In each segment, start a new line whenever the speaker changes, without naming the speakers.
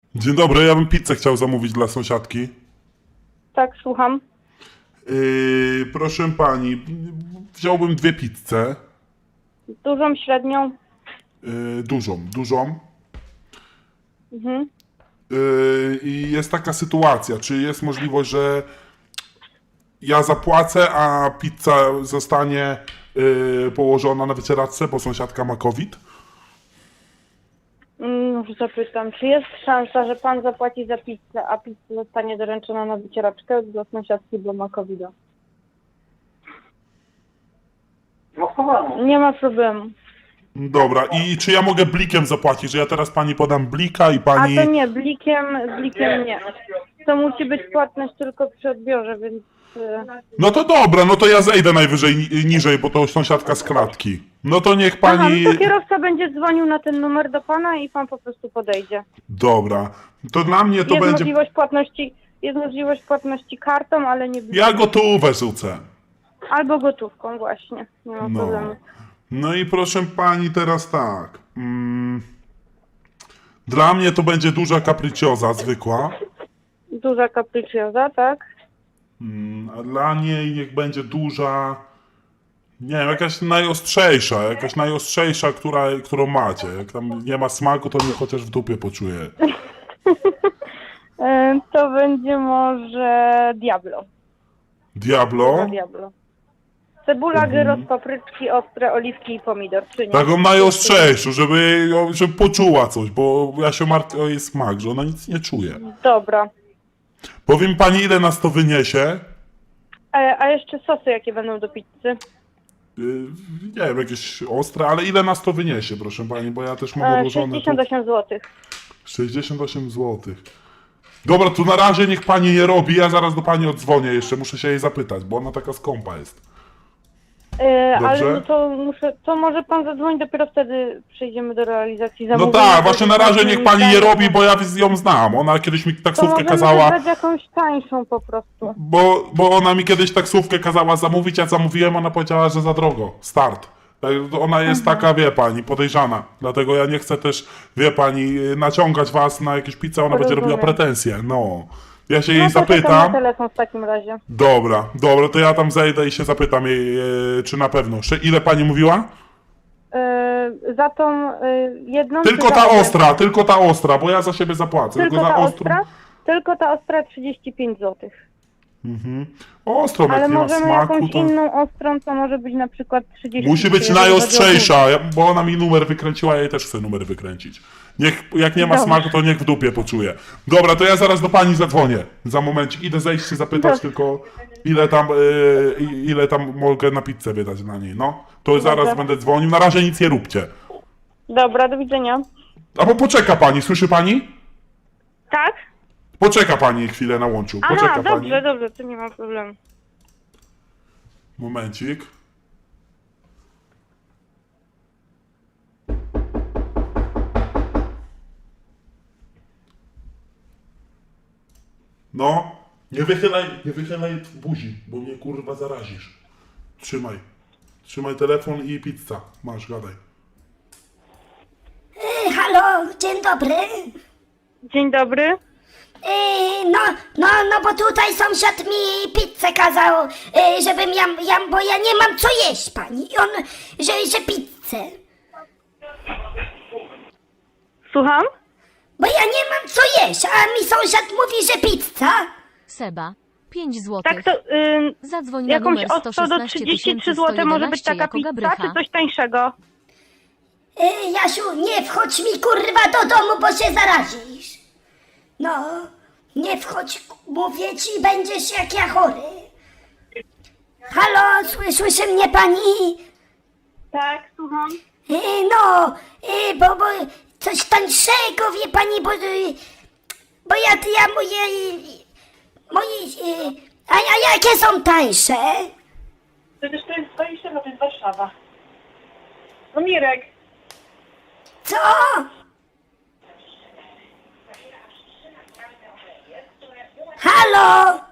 Dzień dobry, ja bym pizzę chciał zamówić dla sąsiadki.
Tak, słucham.
Proszę pani, wziąłbym 2 pizze.
Dużą, średnią?
Dużą.
Mhm.
I jest taka sytuacja, czy jest możliwość, że ja zapłacę, a pizza zostanie położona na wycieraczce, bo sąsiadka ma COVID?
Już zapytam, czy jest szansa, że pan zapłaci za pizzę, a pizza zostanie doręczona na wycieraczkę dla sąsiadki, bo ma COVID-a? Nie ma problemu.
Dobra, i czy ja mogę blikiem zapłacić, że ja teraz pani podam blika i
A
pani...
to nie, blikiem nie. To musi być płatność tylko przy odbiorze, więc...
No to dobra, no to ja zejdę najwyżej niżej, bo to sąsiadka z klatki. No to niech
Aha,
pani...
no to kierowca będzie dzwonił na ten numer do pana i pan po prostu podejdzie.
Dobra, to dla mnie to
Jest
będzie...
możliwość płatności kartą, ale nie blikiem.
Ja gotówę rzucę.
Albo gotówką właśnie, nie ma
No.
problemu.
No i proszę pani teraz tak. Dla mnie to będzie duża capricciosa zwykła.
Duża capricciosa, tak?
A dla niej niech będzie duża... Nie wiem, jakaś najostrzejsza, którą macie. Jak tam nie ma smaku, to mnie chociaż w dupie poczuje.
To będzie może Diablo.
Diablo?
Diablo. Cebula, gyros, papryczki ostre, oliwki i pomidor, czy nie?
Taką najostrzejszą, żeby poczuła coś, bo ja się martwię o jej smak, że ona nic nie czuje.
Dobra.
Powiem pani, ile nas to wyniesie?
A jeszcze sosy jakie będą do pizzy?
Nie wiem, jakieś ostre, ale ile nas to wyniesie, proszę pani, bo ja też mam odłożone...
68 zł.
68 zł. Dobra, to na razie niech pani nie robi, ja zaraz do pani oddzwonię jeszcze, muszę się jej zapytać, bo ona taka skąpa jest.
Ale no to może pan zadzwonić, dopiero wtedy przejdziemy do realizacji
No
zamówienia.
tak, właśnie na razie niech pani nie robi, bo ja ją znam. Ona kiedyś mi
To
taksówkę
możemy
kazała...
wybrać jakąś tańszą po prostu.
Bo ona mi kiedyś taksówkę kazała zamówić, ja zamówiłem, ona powiedziała, że za drogo. Start. Tak, ona jest taka, wie pani, podejrzana. Dlatego ja nie chcę też, wie pani, naciągać was na jakieś pizze, ona będzie robiła
Rozumiem.
pretensje. No. Ja się jej
No to czekam na
zapytam.
telefon w takim razie.
Dobra, to ja tam zejdę i się zapytam jej, czy na pewno. Ile pani mówiła?
Za tą jedną...
Tylko
czy
ta
za obie?
ostra, bo ja za siebie zapłacę.
Tylko
za
ta
ostrą.
ostra? Tylko ta ostra 35 zł.
Ostrą, jak
Ale
nie ma
możemy
smaku,
jakąś
to...
inną ostrą, co może być na przykład 30.
Musi być najostrzejsza, bo ona mi numer wykręciła, ja jej też chcę numer wykręcić. Jak nie ma
Dobrze.
smaku, to niech w dupie poczuje. Dobra, to ja zaraz do pani zadzwonię. Za momencik idę zejść się zapytać
Dobrze.
tylko, ile tam mogę na pizzę wydać na niej, no. To zaraz
Dobrze.
będę dzwonił, na razie nic nie róbcie.
Dobra, do widzenia.
Albo poczeka pani, słyszy pani?
Tak?
Poczeka pani chwilę na łączu, poczeka
Aha,
pani.
dobrze, to nie ma problemu.
Momencik. No, nie wychylaj buzi, bo mnie kurwa zarazisz. Trzymaj telefon i pizza. Masz, gadaj.
Halo, dzień dobry.
Dzień dobry.
No, bo tutaj sąsiad mi pizzę kazał, żebym bo ja nie mam co jeść, pani. I on, że pizzę.
Słucham?
Bo ja nie mam co jeść, a mi sąsiad mówi, że pizza.
Seba, 5 zł.
Tak, to
Zadzwoń na
jakąś
numer
ostrą do 33 zł może być
116
taka
jako
pizza,
Gabrycha.
czy coś tańszego?
Jasiu, nie wchodź mi kurwa do domu, bo się zarazisz. No, nie wchodź, mówię ci, będziesz jak ja chory. Halo, słyszy mnie pani?
Tak, słucham.
Bo coś tańszego, wie pani, bo ja a jakie są tańsze?
Przecież to jest 20, to jest Warszawa. No Mirek.
Co? Halo?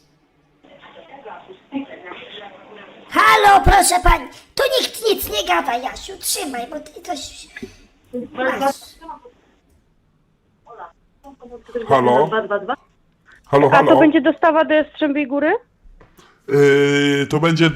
Halo, proszę pani, tu nikt nic nie gada, Jasiu, trzymaj, bo ty coś... Masz.
Halo? Halo,
A to
halo?
będzie dostawa do Jastrzębiej Góry?
To będzie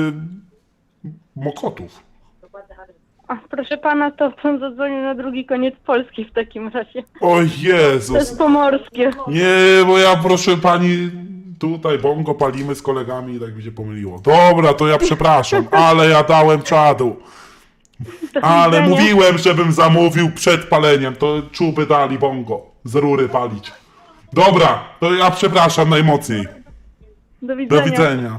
Mokotów.
A, proszę pana, to pan zadzwonił na drugi koniec Polski w takim razie.
O
To
Jezus.
jest pomorskie.
Nie, bo ja proszę pani, tutaj bongo palimy z kolegami i tak mi się pomyliło. Dobra, to ja przepraszam, ale ja dałem czadu.
Do
Ale
widzenia.
mówiłem, żebym zamówił przed paleniem, to czuby dali bongo z rury palić. Dobra, to ja przepraszam najmocniej.
Do widzenia.
Do widzenia.